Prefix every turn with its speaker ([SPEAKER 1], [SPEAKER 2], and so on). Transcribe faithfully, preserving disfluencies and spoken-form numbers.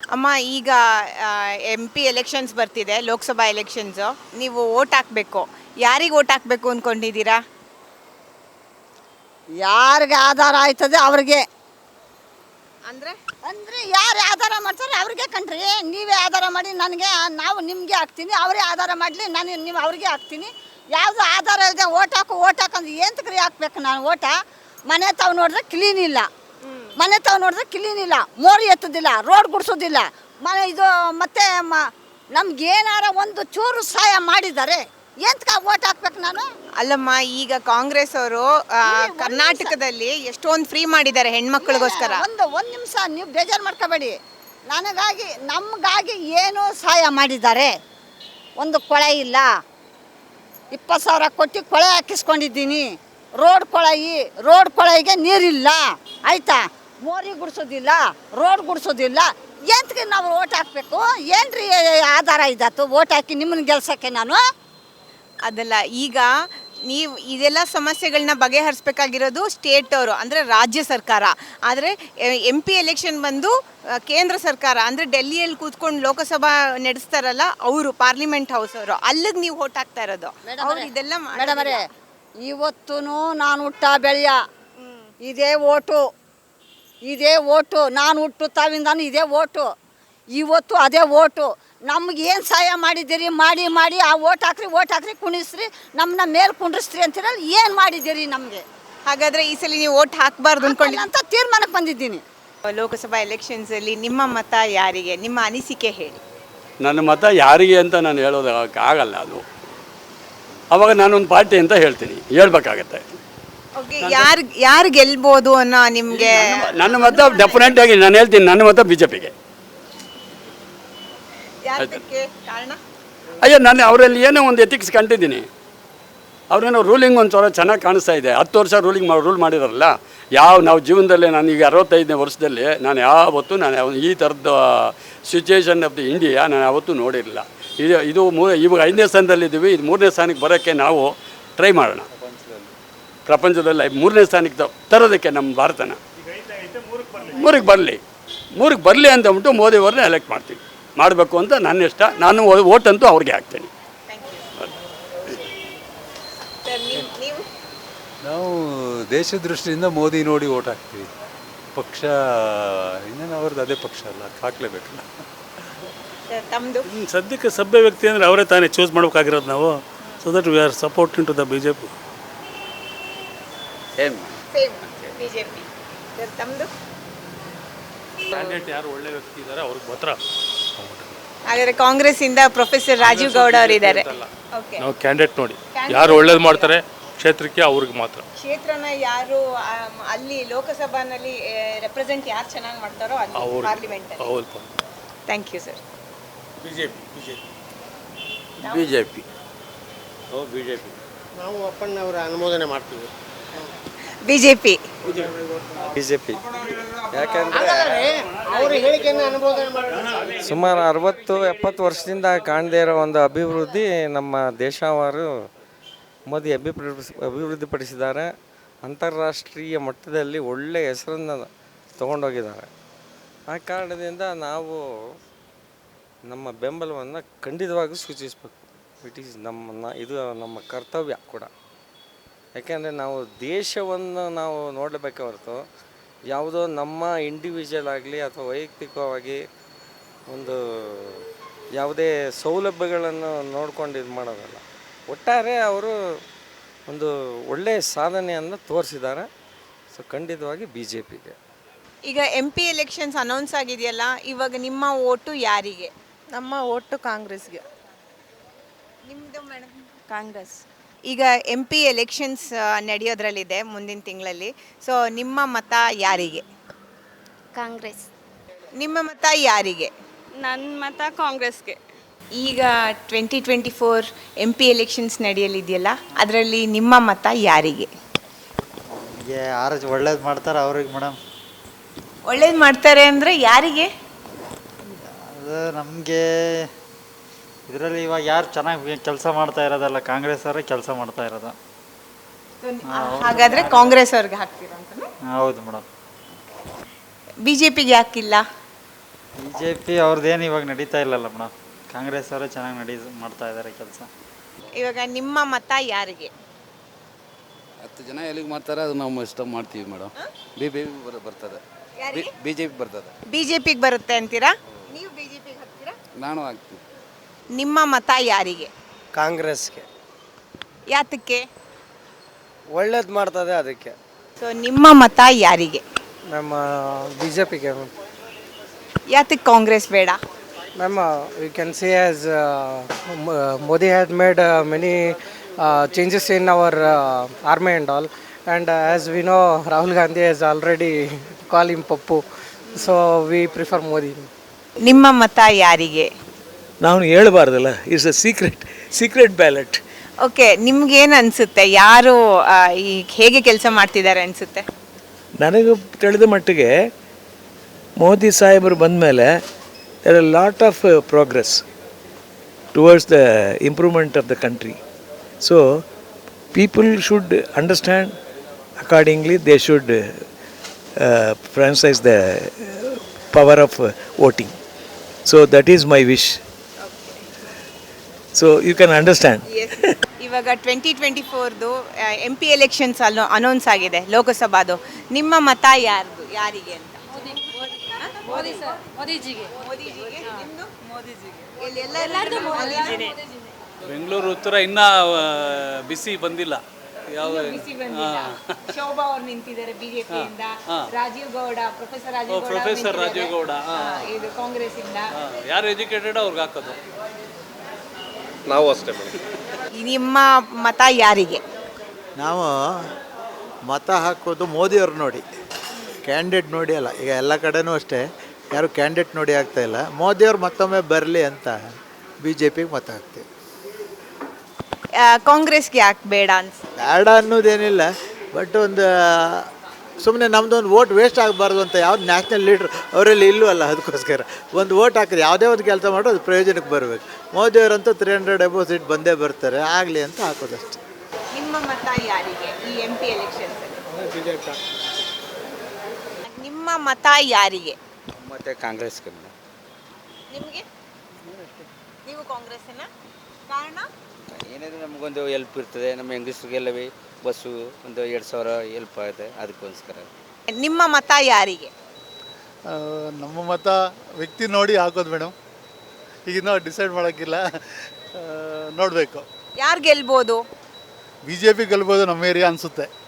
[SPEAKER 1] ಅಮ್ಮ, ಈಗ M P elections ಬರ್ತಿದೆ, ಲೋಕಸಭಾ ಎಲೆಕ್ಷನ್ಸು. ನೀವು ಓಟ್ ಹಾಕಬೇಕು. ಯಾರಿಗೆ ಓಟ್ ಹಾಕಬೇಕು ಅಂದ್ಕೊಂಡಿದ್ದೀರಾ?
[SPEAKER 2] ಯಾರಿಗೆ ಆಧಾರ ಆಯ್ತದೆ ಅವ್ರಿಗೆ.
[SPEAKER 1] ಅಂದರೆ
[SPEAKER 2] ಅಂದರೆ ಯಾರು ಆಧಾರ ಮಾಡ್ತಾರೆ ಅವ್ರಿಗೆ ಕಣ್ರಿ. ನೀವೇ ಆಧಾರ ಮಾಡಿ ನನಗೆ, ನಾವು ನಿಮಗೆ ಹಾಕ್ತೀನಿ, ಅವರೇ ಆಧಾರ ಮಾಡಲಿ, ನಾನು ನೀವು ಅವ್ರಿಗೆ ಹಾಕ್ತೀನಿ. ಯಾವುದು ಆಧಾರ ಇಲ್ಲದೆ ಓಟ್ ಹಾಕು ಓಟ್ ಹಾಕಂದ್ರೆ ಏಂತಕ್ರಿ ಹಾಕ್ಬೇಕು ನಾನು ಓಟ? ಮನೆ ತಾವು ನೋಡಿದ್ರೆ ಕ್ಲೀನ್ ಇಲ್ಲ, ಮನೆ ತಾವು ನೋಡಿದ್ರೆ ಕ್ಲೀನ್ ಇಲ್ಲ, ಮೋರಿ ಎತ್ತೋದಿಲ್ಲ, ರೋಡ್ ಗುಡಿಸೋದಿಲ್ಲ, ಮನೆ ಇದು ಮತ್ತೆ ಮ ನಮ್ಗೇನಾರ ಒಂದು ಚೂರು ಸಹಾಯ ಮಾಡಿದ್ದಾರೆ, ಎಂತಕ ಓಟ್ ಹಾಕ್ಬೇಕು ನಾನು?
[SPEAKER 1] ಅಲ್ಲಮ್ಮ, ಈಗ ಕಾಂಗ್ರೆಸ್ ಅವರು ಕರ್ನಾಟಕದಲ್ಲಿ ಎಷ್ಟೊಂದು ಫ್ರೀ ಮಾಡಿದ್ದಾರೆ ಹೆಣ್ಮಕ್ಳಿಗೋಸ್ಕರ.
[SPEAKER 2] ಒಂದು ಒಂದು ನಿಮಿಷ ನೀವು ಬೇಜಾರು ಮಾಡ್ಕೋಬೇಡಿ. ನನಗಾಗಿ ನಮಗಾಗಿ ಏನೋ ಸಹಾಯ ಮಾಡಿದ್ದಾರೆ. ಒಂದು ಕೊಳೆ ಇಲ್ಲ, ಇಪ್ಪತ್ತು ಸಾವಿರ ಕೊಟ್ಟು ಕೊಳೆ ಹಾಕಿಸ್ಕೊಂಡಿದ್ದೀನಿ. ರೋಡ್ ಕೊಳಯಿ ರೋಡ್ ಕೊಳಯಿಗೆ ನೀರಿಲ್ಲ, ಆಯಿತಾ? ಮೋರಿ ಗುಡಿಸೋದಿಲ್ಲ, ರೋಡ್ ಗುಡಿಸೋದಿಲ್ಲ. ಎಂತಕ್ಕೆ ನಾವು ಓಟ್ ಹಾಕಬೇಕು? ಏನ್ರಿ ಆಧಾರ ಇದ್ದಾತು ಓಟ್ ಹಾಕಿ ನಿಮ್ಮನ್ನ ಗೆಲ್ಸೋಕ್ಕೆ ನಾನು?
[SPEAKER 1] ಅದಲ್ಲ, ಈಗ ನೀವು ಇದೆಲ್ಲ ಸಮಸ್ಯೆಗಳನ್ನ ಬಗೆಹರಿಸ್ಬೇಕಾಗಿರೋದು ಸ್ಟೇಟ್ ಅವರು, ಅಂದರೆ ರಾಜ್ಯ ಸರ್ಕಾರ. ಆದರೆ ಎಂ ಪಿ ಎಲೆಕ್ಷನ್ ಬಂದು ಕೇಂದ್ರ ಸರ್ಕಾರ, ಅಂದರೆ ಡೆಲ್ಲಿಯಲ್ಲಿ ಕೂತ್ಕೊಂಡು ಲೋಕಸಭಾ ನಡೆಸ್ತಾರಲ್ಲ ಅವರು, ಪಾರ್ಲಿಮೆಂಟ್ ಹೌಸ್ ಅವರು, ಅಲ್ಲಿಗೆ ನೀವು ಓಟ್ ಹಾಕ್ತಾ ಇರೋದು. ಅವ್ರು ಇದೆಲ್ಲ
[SPEAKER 2] ಮೇಡಮರೇ, ಇವತ್ತೂ ನಾನು ಹುಟ್ಟ ಬೆಳೆಯ ಇದೇ ಓಟು, ಇದೇ ಓಟು. ನಾನು ಹುಟ್ಟು ತಾವಿಂದಾನು ಇದೇ ಓಟು, ಇವತ್ತು ಅದೇ ಓಟು. ನಮ್ಗೆ ಏನು ಸಹಾಯ ಮಾಡಿದ್ದೀರಿ? ಮಾಡಿ ಮಾಡಿ ಆ ಓಟ್ ಹಾಕ್ರಿ ಓಟ್ ಹಾಕ್ರಿ ಕುಣಿಸ್ರಿ, ನಮ್ಮನ್ನ ಮೇಲೆ ಕುಂಡ್ರಿಸ್ರಿ ಅಂತೀರಲ್ಲ, ಏನು ಮಾಡಿದ್ದೀರಿ ನಮಗೆ?
[SPEAKER 1] ಹಾಗಾದರೆ ಈ ಸಲ ನೀವು ಓಟ್ ಹಾಕಬಾರ್ದು ಅಂದ್ಕೊಂಡು
[SPEAKER 2] ಅಂತ ತೀರ್ಮಾನಕ್ಕೆ ಬಂದಿದ್ದೀನಿ.
[SPEAKER 1] ಲೋಕಸಭಾ ಎಲೆಕ್ಷನ್ಸಲ್ಲಿ ನಿಮ್ಮ ಮತ ಯಾರಿಗೆ? ನಿಮ್ಮ ಅನಿಸಿಕೆ ಹೇಳಿ.
[SPEAKER 3] ನನ್ನ ಮತ ಯಾರಿಗೆ ಅಂತ ನಾನು ಹೇಳೋದಕ್ಕೆ ಆಗಲ್ಲ. ಅದು ಅವಾಗ ನಾನೊಂದು ಪಾರ್ಟಿ ಅಂತ ಹೇಳ್ತೀನಿ, ಹೇಳ್ಬೇಕಾಗತ್ತೆ.
[SPEAKER 1] ಓಕೆ, ಯಾರು ಯಾರು ಗೆಲ್ಬೋದು ಅನ್ನೋ ನಿಮಗೆ?
[SPEAKER 3] ನನ್ನ ಮತ ಡೆಫಿನೆಟ್ ಆಗಿ ನಾನು ಹೇಳ್ತೀನಿ, ನನ್ನ ಮತ ಬಿ ಜೆ ಪಿಗೆ.
[SPEAKER 1] ಕಾರಣ?
[SPEAKER 3] ಅಯ್ಯೋ, ನಾನು ಅವರಲ್ಲಿ ಏನೋ ಒಂದು ಎಥಿಕ್ಸ್ ಕಂಡಿದ್ದೀನಿ. ಅವರೇನೋ ರೂಲಿಂಗ್ ಒಂದು ಸ್ವಲ್ಪ ಚೆನ್ನಾಗಿ ಕಾಣಿಸ್ತಾ ಇದೆ. ಹತ್ತು ವರ್ಷ ರೂಲಿಂಗ್ ರೂಲ್ ಮಾಡಿದಾರಲ್ಲ. ಯಾವ ನಾವು ಜೀವನದಲ್ಲಿ, ನಾನು ಈಗ ಅರವತ್ತೈದನೇ ವರ್ಷದಲ್ಲಿ ನಾನು ಯಾವತ್ತೂ ನಾನು ಈ ಥರದ ಸಿಚುವೇಶನ್ ಆಫ್ ದಿ ಇಂಡಿಯಾ ನಾನು ಯಾವತ್ತೂ ನೋಡಿರಲಿಲ್ಲ. ಇದು ಇದು ಮೂ ಇವಾಗ ಐದನೇ ಸ್ಥಾನದಲ್ಲಿದ್ದೀವಿ. ಇದು ಮೂರನೇ ಸ್ಥಾನಕ್ಕೆ ಬರೋಕ್ಕೆ ನಾವು ಟ್ರೈ ಮಾಡೋಣ. ಪ್ರಪಂಚದಲ್ಲಿ ಮೂರನೇ ಸ್ಥಾನಕ್ಕೆ ತರೋದಕ್ಕೆ ನಮ್ಮ ಭಾರತನ ಮೂರಿಗೆ ಬರಲಿ ಮೂರಿಗೆ ಬರಲಿ ಅಂತ ಅಂದ್ಬಿಟ್ಟು ಮೋದಿಯವ್ರನ್ನ ಎಲೆಕ್ಟ್ ಮಾಡ್ತೀವಿ, ಮಾಡಬೇಕು ಅಂತ ನನ್ನ ಇಷ್ಟ. ನಾನು ಓಟಂತೂ ಅವ್ರಿಗೆ ಹಾಕ್ತೀನಿ.
[SPEAKER 4] ನಾವು ದೇಶ ದೃಷ್ಟಿಯಿಂದ ಮೋದಿ ನೋಡಿ ಓಟ್ ಹಾಕ್ತೀವಿ. ಪಕ್ಷ ಇನ್ನೇನು ಅವ್ರದ್ದು ಅದೇ ಪಕ್ಷ ಅಲ್ಲ, ಹಾಕ್ಲೇಬೇಕಲ್ಲ.
[SPEAKER 1] ತಮ್ಮದು
[SPEAKER 5] ಸದ್ಯಕ್ಕೆ ಸಭ್ಯ ವ್ಯಕ್ತಿ ಅಂದರೆ ಅವರೇ ತಾನೇ ಚೂಸ್ ಮಾಡ್ಬೇಕಾಗಿರೋದು ನಾವು. So that we are supporting to the B J P.
[SPEAKER 1] Same BJP. ತಮ್ಮದು
[SPEAKER 5] ಕ್ಯಾಂಡಿಡೇಟ್ ಯಾರು ಒಳ್ಳೆ ವ್ಯಕ್ತಿ ಇದ್ದಾರೆ ಅವ್ರಿಗೆ ಮಾತ್ರ.
[SPEAKER 1] ಹಾಗಾದರೆ ಕಾಂಗ್ರೆಸ್ ಇಂದ ಪ್ರೊಫೆಸರ್ ರಾಜೀವ್ ಗೌಡ ಅವರು ಇದ್ದಾರೆ.
[SPEAKER 5] ನಾವು ಕ್ಯಾಂಡಿಡೇಟ್ ನೋಡಿ ಯಾರು ಒಳ್ಳೇದು ಮಾಡ್ತಾರೆ ಕ್ಷೇತ್ರಕ್ಕೆ ಅವ್ರಿಗೆ ಮಾತ್ರ.
[SPEAKER 1] ಕ್ಷೇತ್ರನ ಯಾರು ಅಲ್ಲಿ ಲೋಕಸಭಾನಲ್ಲಿ ರೆಪ್ರೆಸೆಂಟ್ ಯಾರು ಚೆನ್ನಾಗಿ ಮಾಡ್ತಾರೋ ಅಲ್ಲಿ ಪಾರ್ಲಿಮೆಂಟ್.
[SPEAKER 5] ಹೌದು.
[SPEAKER 1] Thank you sir.
[SPEAKER 5] BJP BJP
[SPEAKER 3] BJP
[SPEAKER 6] ನಾವು ಬಿಜೆಪಿ ನಾವು ಅಪ್ಪಣ್ಣವರ ಅನುಮೋದನೆ ಮಾಡ್ತೀವಿ.
[SPEAKER 1] ಬಿಜೆಪಿ
[SPEAKER 7] ಬಿಜೆಪಿ ಯಾಕಂದರೆ
[SPEAKER 6] ಅವರ ಹೇಳಿಕೆಯನ್ನು ಅನುಮೋದನೆ ಮಾಡ್ತೀವಿ.
[SPEAKER 7] ಸುಮಾರು ಅರವತ್ತು ಎಪ್ಪತ್ತು ವರ್ಷದಿಂದ ಕಾಣದೇ ಇರೋ ಒಂದು ಅಭಿವೃದ್ಧಿ ನಮ್ಮ ದೇಶವಾರು ಮೋದಿ ಅಭಿವೃದ್ಧಿ ಅಭಿವೃದ್ಧಿಪಡಿಸಿದ್ದಾರೆ. ಅಂತಾರಾಷ್ಟ್ರೀಯ ಮಟ್ಟದಲ್ಲಿ ಒಳ್ಳೆಯ ಹೆಸರನ್ನು ತಗೊಂಡೋಗಿದ್ದಾರೆ. ಆ ಕಾರಣದಿಂದ ನಾವು ನಮ್ಮ ಬೆಂಬಲವನ್ನು ಖಂಡಿತವಾಗಿ ಸೂಚಿಸಬೇಕು. ಇಟ್ ಈಸ್ ನಮ್ಮ ಇದು ನಮ್ಮ ಕರ್ತವ್ಯ ಕೂಡ. ಯಾಕೆಂದರೆ ನಾವು ದೇಶವನ್ನು ನಾವು ನೋಡಬೇಕೆ ಹೊರತು ಯಾವುದೋ ನಮ್ಮ ಇಂಡಿವಿಜುವಲ್ ಆಗಲಿ ಅಥವಾ ವೈಯಕ್ತಿಕವಾಗಿ ಒಂದು ಯಾವುದೇ ಸೌಲಭ್ಯಗಳನ್ನು ನೋಡ್ಕೊಂಡು ಇದು ಮಾಡೋದಲ್ಲ. ಒಟ್ಟಾರೆ ಅವರು ಒಂದು ಒಳ್ಳೆಯ ಸಾಧನೆಯನ್ನು ತೋರಿಸಿದ್ದಾರೆ. ಸೊ ಖಂಡಿತವಾಗಿ ಬಿ ಜೆ ಪಿಗೆ.
[SPEAKER 1] ಈಗ ಎಂ ಪಿ ಎಲೆಕ್ಷನ್ಸ್ ಅನೌನ್ಸ್ ಆಗಿದೆಯಲ್ಲ, ಇವಾಗ ನಿಮ್ಮ ಓಟು ಯಾರಿಗೆ?
[SPEAKER 8] ನಮ್ಮ ಓಟು ಕಾಂಗ್ರೆಸ್ಗೆ.
[SPEAKER 1] ನಿಮ್ಮದು ಮೇಡಮ್?
[SPEAKER 8] ಕಾಂಗ್ರೆಸ್.
[SPEAKER 1] ಈಗ ಎಂ ಪಿ ಎಲೆಕ್ಷನ್ಸ್ ನಡೆಯೋದ್ರಲ್ಲಿದೆ ಮುಂದಿನ ತಿಂಗಳಲ್ಲಿ. ಸೊ ನಿಮ್ಮ ಮತ ಯಾರಿಗೆ?
[SPEAKER 9] ಕಾಂಗ್ರೆಸ್.
[SPEAKER 1] ನಿಮ್ಮ ಮತ ಯಾರಿಗೆ?
[SPEAKER 8] ನನ್ನ ಮತ ಕಾಂಗ್ರೆಸ್ಗೆ.
[SPEAKER 1] ಈಗ twenty twenty four M P elections ನಡೆಯಲಿದೆಯಲ್ಲ, ಅದರಲ್ಲಿ ನಿಮ್ಮ ಮತ ಯಾರಿಗೆ?
[SPEAKER 10] ಯಾರು ಒಳ್ಳೇದು ಮಾಡ್ತಾರೆ ಅವ್ರಿಗೆ ಮೇಡಮ್.
[SPEAKER 1] ಒಳ್ಳೇದು ಮಾಡ್ತಾರೆ ಅಂದರೆ ಯಾರಿಗೆ?
[SPEAKER 10] ಅದು ನಮಗೆ ಇದರಲ್ಲಿ ಇವಾಗ ಯಾರು ಚೆನ್ನಾಗಿ ಕೆಲಸ ಮಾಡ್ತಾ ಇರೋದಲ್ಲ, ಕಾಂಗ್ರೆಸ್ ಅವರೇ ಕೆಲಸ ಮಾಡ್ತಾ ಇರೋದು.
[SPEAKER 1] ಹಾಗಾದರೆ ಕಾಂಗ್ರೆಸ್ ಅವ್ರಿಗೆ ಹಾಕ್ತೀರಾ ಅಂತ?
[SPEAKER 10] ಹೌದು ಮೇಡಮ್.
[SPEAKER 1] ಬಿ ಜೆ ಪಿಗೆ ಹಾಕಿಲ್ಲ?
[SPEAKER 10] ಬಿ ಜೆ ಪಿ ಅವ್ರದ್ದೇನು ಇವಾಗ ನಡೀತಾ ಇಲ್ಲಲ್ಲ ಮೇಡಮ್, ಕಾಂಗ್ರೆಸ್ ಅವರೇ ಚೆನ್ನಾಗಿ ನಡೀ ಮಾಡ್ತಾ ಇದ್ದಾರೆ ಕೆಲಸ.
[SPEAKER 1] ಇವಾಗ ನಿಮ್ಮ ಮತ ಯಾರಿಗೆ?
[SPEAKER 11] ಹತ್ತು ಜನ ಎಲ್ಲಿಗೆ ಮಾಡ್ತಾರೆ ಅದು ನಾವು ಇಷ್ಟ ಮಾಡ್ತೀವಿ ಮೇಡಮ್. ಬಿ ಬಿ ಬರ್ತದೆ,
[SPEAKER 1] ಯಾರಿಗೆ?
[SPEAKER 11] ಬಿ ಜೆ ಪಿ ಬರ್ತದೆ.
[SPEAKER 1] ಬಿಜೆಪಿಗೆ ಬರುತ್ತೆ ಅಂತೀರಾ? ನೀವು ಬಿಜೆಪಿಗೆ ಹಾಕ್ತೀರಾ?
[SPEAKER 11] ನಾನು ಹಾಕ್ತೀನಿ.
[SPEAKER 1] ನಿಮ್ಮ ಮತ ಯಾರಿಗೆ?
[SPEAKER 6] ಕಾಂಗ್ರೆಸ್ಗೆ
[SPEAKER 1] ಯಾತಕ್ಕೆ?
[SPEAKER 6] ಒಳ್ಳೇದು ಮಾಡ್ತದೆ ಅದಕ್ಕೆ.
[SPEAKER 1] ಸೊ ನಿಮ್ಮ ಮತ ಯಾರಿಗೆ?
[SPEAKER 6] ನಮ್ಮ ಬಿ ಜೆ ಪಿಗೆ
[SPEAKER 1] ಯಾತಕ್ಕೆ ಕಾಂಗ್ರೆಸ್ ಬೇಡ?
[SPEAKER 6] Ma'am you can see as Modi has made many changes in our army and all, and as we know Rahul Gandhi has already call him Pappu, so we prefer Modi.
[SPEAKER 1] ನಿಮ್ಮ ಮತ ಯಾರಿಗೆ?
[SPEAKER 5] ನಾವು ಹೇಳಬಾರ್ದಲ್ಲ, it's a secret secret ballot.
[SPEAKER 1] Okay, ನಿಮ್ಗೇನು ಅನಿಸುತ್ತೆ? ಯಾರು ಆ, ಈ ಹೇಗೆ ಕೆಲಸ ಮಾಡ್ತಿದ್ದಾರೆ ಅನಿಸುತ್ತೆ?
[SPEAKER 5] ನನಗೆ ತಿಳಿದ ಮಟ್ಟಿಗೆ ಮೋದಿ ಸಾಹೇಬರು ಬಂದ ಮೇಲೆ there are lot of progress towards the improvement of the country. So people should understand accordingly, they should franchise the power of voting. So that is my wish. So you can understand.
[SPEAKER 1] ಇವಾಗ twenty twenty ಫೋರ್ದು M P elections ಅಲ್ಲೋ announce ಆಗಿದೆ, ಲೋಕಸಭಾದು. ನಿಮ್ಮ ಮತ ಯಾರ್ದು ಯಾರಿಗೆ ಅಂತ? ಮೋದಿಜಿಗೆ. ನಿಮ್ದು? ಇಲ್ಲಿ ಎಲ್ಲರಿಗೂ ಮೋದಿಜಿನೇ.
[SPEAKER 5] ಬೆಂಗಳೂರು ಉತ್ತರ ಇನ್ನೂ ಬಿಸಿ ಬಂದಿಲ್ಲ. ಯಾವ
[SPEAKER 1] ಬಿಸಿ ಬಂದಿಲ್ಲ. ಶೋಭಾ ಅವ್ರು ನಿಂತಿದ್ದಾರೆ ಬಿಜೆಪಿಯಿಂದ, ರಾಜೀವ್ ಗೌಡ, ಪ್ರೊಫೆಸರ್ ರಾಜೀವ್ ಗೌಡ
[SPEAKER 5] ಪ್ರೊಫೆಸರ್ ರಾಜೀವ್ ಗೌಡ
[SPEAKER 1] ಇದು ಕಾಂಗ್ರೆಸ್ ಇಂದ.
[SPEAKER 5] ಯಾರು ಎಜುಕೇಟೆಡ್ ಅವ್ರಿಗೆ ಹಾಕೋದು.
[SPEAKER 11] ನಾವು ಅಷ್ಟೇ ಮೇಡಮ್.
[SPEAKER 1] ನಿಮ್ಮ ಮತ ಯಾರಿಗೆ?
[SPEAKER 6] ನಾವು ಮತ ಹಾಕೋದು ಮೋದಿಯವ್ರು ನೋಡಿ, ಕ್ಯಾಂಡಿಡೇಟ್ ನೋಡಿ ಅಲ್ಲ. ಈಗ ಎಲ್ಲ ಕಡೆನೂ ಅಷ್ಟೇ, ಯಾರು ಕ್ಯಾಂಡಿಡೇಟ್ ನೋಡಿ ಆಗ್ತಾ ಇಲ್ಲ. ಮೋದಿಯವ್ರು ಮತ್ತೊಮ್ಮೆ ಬರಲಿ ಅಂತ ಬಿ ಜೆ ಪಿಗೆ ಮತ ಹಾಕ್ತೀವಿ.
[SPEAKER 1] ಆ, ಕಾಂಗ್ರೆಸ್ಗೆ ಯಾಕೆ ಬೇಡ ಅನ್ಸ್
[SPEAKER 6] ಬೇಡ ಅನ್ನೋದೇನಿಲ್ಲ, ಬಟ್ ಒಂದು ಸುಮ್ಮನೆ ನಮ್ಮದು ಒಂದು ವೋಟ್ ವೇಸ್ಟ್ ಆಗಬಾರ್ದು ಅಂತ ಯಾವ್ದು ನ್ಯಾಷನಲ್ ಲೀಡ್ರ್ ಅವರಲ್ಲಿ ಇಲ್ಲೂ ಅಲ್ಲ. ಅದಕ್ಕೋಸ್ಕರ ಒಂದು ವೋಟ್ ಹಾಕಿದ್ರೆ ಯಾವುದೇ ಒಂದು ಕೆಲಸ ಮಾಡೋ ಅದು ಪ್ರಯೋಜನಕ್ಕೆ ಬರಬೇಕು. ಮೋದಿಯವರಂತೂ ತ್ರೀ ಹಂಡ್ರೆಡ್ ಎಬೋ ಸೀಟ್ ಬಂದೇ ಬರ್ತಾರೆ, ಆಗಲಿ ಅಂತ ಹಾಕೋದಷ್ಟೇ.
[SPEAKER 1] ನಿಮ್ಮ ಮತ ಯಾರಿಗೆ ಈ ಎಂ ಪಿ ಎಲೆಕ್ಷನ್ಸ್? ನಿಮ್ಮ ಮತ ಯಾರಿಗೆ?
[SPEAKER 11] ಮತ್ತೆ ಕಾಂಗ್ರೆಸ್ಗೆ.
[SPEAKER 1] ನಿಮಗೆ? ನೀವು ಕಾಂಗ್ರೆಸ್ಸಿನ? ಕಾರಣ?
[SPEAKER 11] ಏನಾದರೂ ನಮಗೊಂದು ಹೆಲ್ಪ್ ಇರ್ತದೆ, ನಮ್ಮ ಹೆಂಗಸ್ರಿಗೆಲ್ಲ ಬಸ್ಸು ಒಂದು ಎರಡು ಸಾವಿರ ಹೆಲ್ಪ್ ಆಗುತ್ತೆ, ಅದಕ್ಕೋಸ್ಕರ.
[SPEAKER 1] ನಿಮ್ಮ ಮತ ಯಾರಿಗೆ?
[SPEAKER 4] ನಮ್ಮ ಮತ ವ್ಯಕ್ತಿ ನೋಡಿ ಹಾಕೋದು ಮೇಡಮ್. ಈಗಿನ್ನೂ ಡಿಸೈಡ್ ಮಾಡೋಕ್ಕಿಲ್ಲ, ನೋಡಬೇಕು.
[SPEAKER 1] ಯಾರು ಗೆಲ್ಬೋದು?
[SPEAKER 4] ಬಿ ಜೆ ಪಿ ಗೆಲ್ಬೋದು ನಮ್ಮ ಏರಿಯಾ ಅನಿಸುತ್ತೆ.